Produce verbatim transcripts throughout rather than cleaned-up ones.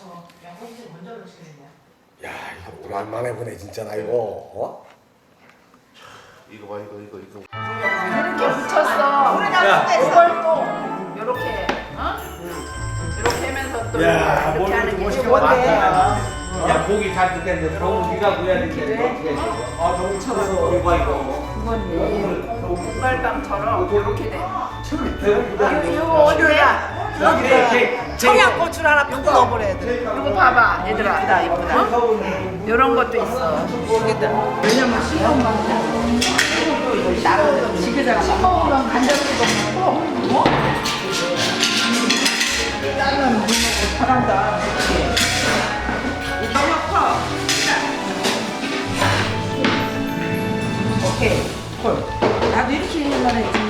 양꼬치 먼저 넣으시겠냐? 야 이거 오랜만에 보네 진짜 나 이거. 어? 이거 봐 이거 이거 이거. 이렇게 붙였어. 이걸 또 이렇게, 어? 이렇게 하면서 또 야, 이렇게 하는 게 멋있게 뭔데? 왔다. 야 고기 잘 뜯겠는데 너무 네가 구해야 되는데 아 너무 쳐서. 이거 이거 그건 볶갈빵처럼 이렇게 돼. 이거 이거 어디야? 청양고추를 하나 펴고 넣어버려야 돼. 이거 봐봐, 얘들아. 이쁘다, 이쁘다. 이런 것도 있어. 왜냐면 씹어먹는 나는 집에다가 씹어먹으면 간장도 먹고, 어? 나는 물 먹고 잘한다. 너무 커. 오케이. 나도 이렇게 해만 했지.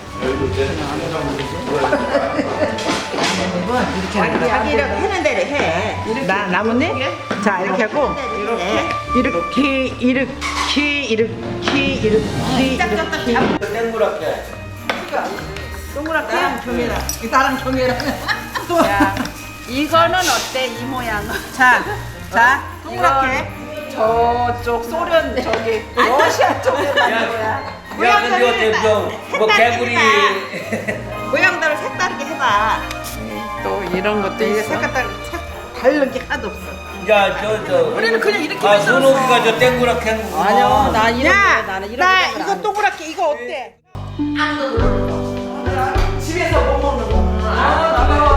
자기를 하는 대로 해. 나 나뭇잎? 자 이렇게 하고 이렇게 이렇게 이렇게 이렇게 이렇게 이렇게 땡그랗게 동그랗게 나랑 경계라 나랑 경계라 야, 이거는 어때, 이 모양은? 자, 자 동그랗게 저쪽 소련 저기 러시아 쪽에 가는 거야. 야 근데 어때 뭐 개구리 모양대로 색다르게 해봐. 또 이런 것도 이게 있어. 색깔 다른 게 하나도 없어. 야저저 우리는 그냥 이렇게 아 만들었어. 순옥이가 저 땡그랗게 하는 거 아니요, 나 이런 야, 거 나는 이런 나 거 이거 동그랗게 이거 어때? 집에서 못 먹는 거. 아, 나도